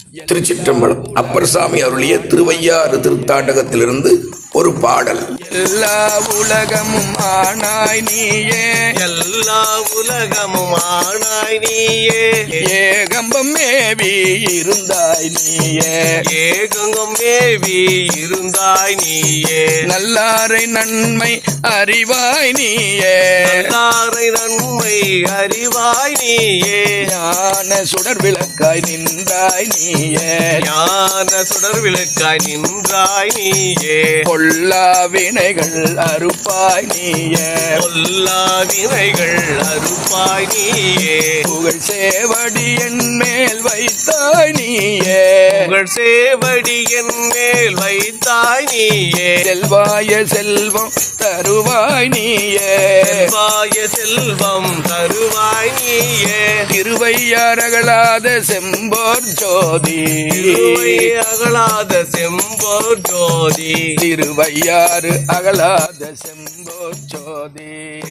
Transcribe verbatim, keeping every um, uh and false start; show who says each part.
Speaker 1: திருச்சிற்றம்பலம். அப்பர் சாமி அருளிய திருவையாறு திருத்தாண்டகத்திலிருந்து ஒரு பாடல்.
Speaker 2: எல்லா உலகமும் ஆனாய் நீயே,
Speaker 3: எல்லா உலகமும் ஆனாய் நீயே,
Speaker 2: ஏகம்பம் மேவி இருந்தாய் நீயே,
Speaker 3: ஏகங்கம் மேவி இருந்தாய் நீயே,
Speaker 2: நல்லாரை நன்மை அறிவாய் நீயே,
Speaker 3: நல்லாரை நன்மை அறிவாய் நீயே,
Speaker 2: ஞான சுடர் விளக்காய் நின்றாய் நீயே,
Speaker 3: ஞான சுடர் விளக்காய் நின்றாய் நீயே,
Speaker 2: பொல்லா வினைகள் அறுப்பாய் நீயே,
Speaker 3: பொல்லா வினைகள் அறுப்பாய் நீயே,
Speaker 2: புகழ் சேவடி என் மேல் வைத்தாய் நீயே,
Speaker 3: புகழ் சேவடி என் மேல் வைத்தாய் நீயே,
Speaker 2: செல்வாய செல்வம் தருவாய் நீயே,
Speaker 3: செல்வாய செல்வம் தருவாய் நீயே,
Speaker 2: திருவையாறகலாத செம்போர் ஜோதி,
Speaker 3: திருவை அகலாத செம்போர் ஜோதி,
Speaker 2: திருவையாறு அகலாத செம்போர் ஜோதி.